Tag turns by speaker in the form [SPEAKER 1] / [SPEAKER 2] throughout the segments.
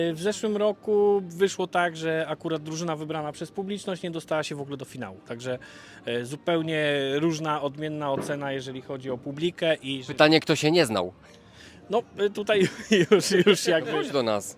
[SPEAKER 1] W zeszłym roku wyszło tak, że akurat drużyna wybrana przez publiczność nie dostała się w ogóle do finału. Także zupełnie różna, odmienna ocena, jeżeli chodzi o publikę i
[SPEAKER 2] Pytanie, kto się nie znał?
[SPEAKER 1] no tutaj już jakby...
[SPEAKER 2] Chodź do nas.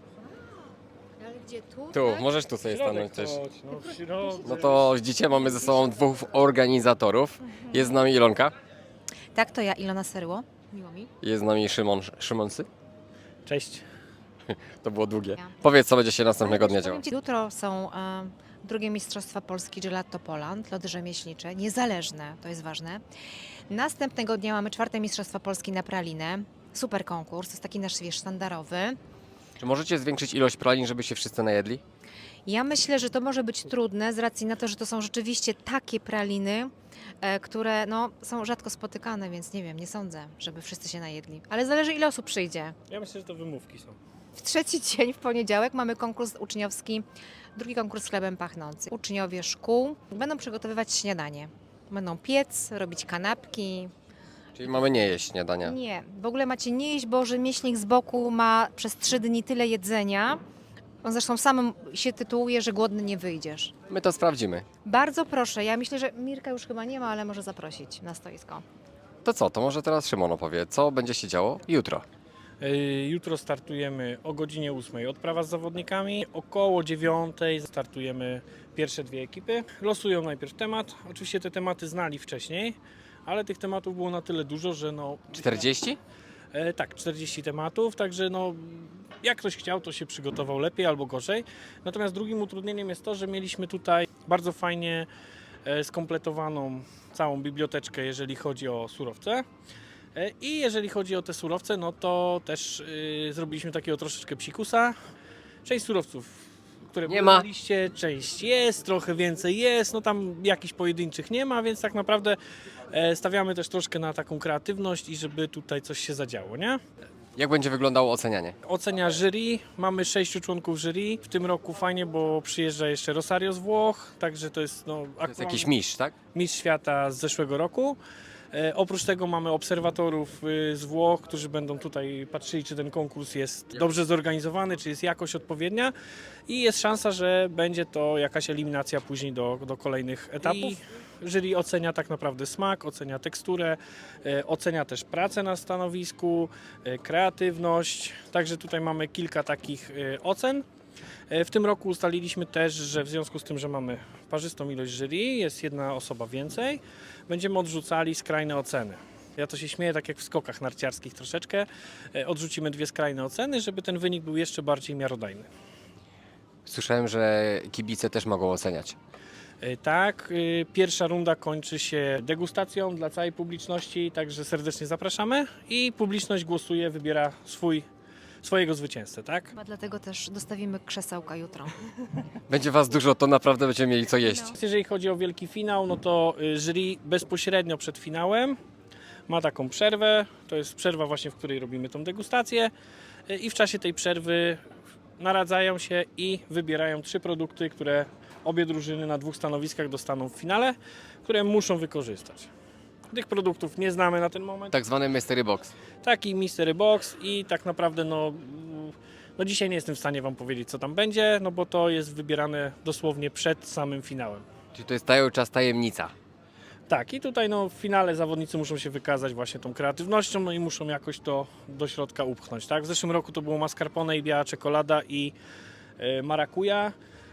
[SPEAKER 3] Ale gdzie tu?
[SPEAKER 2] Tu,
[SPEAKER 3] tak?
[SPEAKER 2] możesz tu sobie stanąć też.
[SPEAKER 1] w środek.
[SPEAKER 2] No to dzisiaj mamy ze sobą dwóch organizatorów. Jest z nami Ilonka,
[SPEAKER 3] Tak, to ja, Ilona Serło. Miło mi.
[SPEAKER 2] jest z nami Szymonsy.
[SPEAKER 1] Cześć.
[SPEAKER 2] To było długie.
[SPEAKER 3] Ja.
[SPEAKER 2] Powiedz, co będzie się następnego dnia działo.
[SPEAKER 3] Powiem ci, jutro są drugie Mistrzostwa Polski Gelato Poland, lody rzemieślnicze, niezależne, to jest ważne. Następnego dnia mamy czwarte Mistrzostwa Polski na pralinę. Super konkurs, to jest taki nasz, wiesz, sztandarowy.
[SPEAKER 2] Czy możecie zwiększyć ilość pralin, żeby się wszyscy najedli?
[SPEAKER 3] Ja myślę, że to może być trudne z racji na to, że to są rzeczywiście takie praliny, które no, są rzadko spotykane, więc nie wiem, nie sądzę, żeby wszyscy się najedli. Ale zależy, ile osób przyjdzie.
[SPEAKER 1] Ja myślę, że to wymówki są.
[SPEAKER 3] W trzeci dzień, w poniedziałek, mamy konkurs uczniowski, drugi konkurs chlebem pachnącym. Uczniowie szkół będą przygotowywać śniadanie. Będą piec, robić kanapki.
[SPEAKER 2] Czyli mamy nie jeść śniadania.
[SPEAKER 3] Nie, w ogóle macie nie jeść, bo rzemieślnik z boku ma przez 3 dni tyle jedzenia. On zresztą sam się tytułuje, że głodny nie wyjdziesz.
[SPEAKER 2] My to sprawdzimy.
[SPEAKER 3] Bardzo proszę, ja myślę, że Mirka już chyba nie ma, ale może zaprosić na stoisko.
[SPEAKER 2] To co, to może teraz Szymon opowie, co będzie się działo jutro.
[SPEAKER 1] Jutro startujemy o godzinie 8:00 odprawa z zawodnikami. Około 9:00 startujemy pierwsze dwie ekipy. Losują najpierw temat. Oczywiście te tematy znali wcześniej, ale tych tematów było na tyle dużo, że no...
[SPEAKER 2] 40?
[SPEAKER 1] Tak, 40 tematów, także no, jak ktoś chciał, to się przygotował lepiej albo gorzej. Natomiast drugim utrudnieniem jest to, że mieliśmy tutaj bardzo fajnie skompletowaną całą biblioteczkę, jeżeli chodzi o surowce. I jeżeli chodzi o te surowce, no to też zrobiliśmy takiego troszeczkę psikusa. Część surowców, które
[SPEAKER 2] Nie
[SPEAKER 1] były
[SPEAKER 2] ma.
[SPEAKER 1] na liście, część jest, trochę więcej jest, no tam jakichś pojedynczych nie ma, więc tak naprawdę stawiamy też troszkę na taką kreatywność i żeby tutaj coś się zadziało, nie?
[SPEAKER 2] Jak będzie wyglądało ocenianie?
[SPEAKER 1] Ocenia jury, mamy 6 członków jury. W tym roku fajnie, bo przyjeżdża jeszcze Rosario z Włoch, także to jest no,
[SPEAKER 2] To jest jakiś mistrz, tak?
[SPEAKER 1] mistrz świata z zeszłego roku. Oprócz tego mamy obserwatorów z Włoch, którzy będą tutaj patrzyli, czy ten konkurs jest dobrze zorganizowany, czy jest jakość odpowiednia i jest szansa, że będzie to jakaś eliminacja później do kolejnych etapów. I jury ocenia tak naprawdę smak, ocenia teksturę, ocenia też pracę na stanowisku, kreatywność, także tutaj mamy kilka takich ocen. W tym roku ustaliliśmy też, że w związku z tym, że mamy parzystą ilość jury, jest jedna osoba więcej, będziemy odrzucali skrajne oceny. Ja to się śmieję, tak jak w skokach narciarskich troszeczkę. Odrzucimy 2 skrajne oceny, żeby ten wynik był jeszcze bardziej miarodajny.
[SPEAKER 2] Słyszałem, że kibice też mogą oceniać.
[SPEAKER 1] Tak, pierwsza runda kończy się degustacją dla całej publiczności, także serdecznie zapraszamy i publiczność głosuje, wybiera swojego zwycięzcę, tak?
[SPEAKER 3] Chyba dlatego też dostawimy krzesełka jutro.
[SPEAKER 2] Będzie was dużo, to naprawdę będziemy mieli co jeść.
[SPEAKER 1] Jeżeli chodzi o wielki finał, no to jury bezpośrednio przed finałem ma taką przerwę. To jest przerwa właśnie, w której robimy tą degustację i w czasie tej przerwy naradzają się i wybierają 3 produkty, które obie drużyny na 2 stanowiskach dostaną w finale, które muszą wykorzystać. Tych produktów nie znamy na ten moment.
[SPEAKER 2] Tak zwany mystery box.
[SPEAKER 1] Taki Mystery Box i tak naprawdę no dzisiaj nie jestem w stanie Wam powiedzieć, co tam będzie, no bo to jest wybierane dosłownie przed samym finałem.
[SPEAKER 2] Czyli to jest cały czas tajemnica.
[SPEAKER 1] Tak, i tutaj no, w finale zawodnicy muszą się wykazać właśnie tą kreatywnością, no i muszą jakoś to do środka upchnąć. Tak? W zeszłym roku to było mascarpone i biała czekolada i marakuja.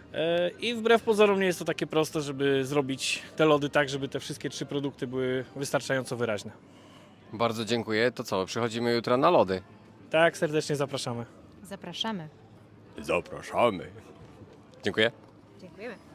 [SPEAKER 1] I wbrew pozorom nie jest to takie proste, żeby zrobić te lody tak, żeby te wszystkie 3 produkty były wystarczająco wyraźne.
[SPEAKER 2] Bardzo dziękuję. To co, przychodzimy jutro na lody.
[SPEAKER 1] Tak, serdecznie zapraszamy.
[SPEAKER 3] Zapraszamy.
[SPEAKER 2] Zapraszamy. Dziękuję.
[SPEAKER 3] Dziękujemy.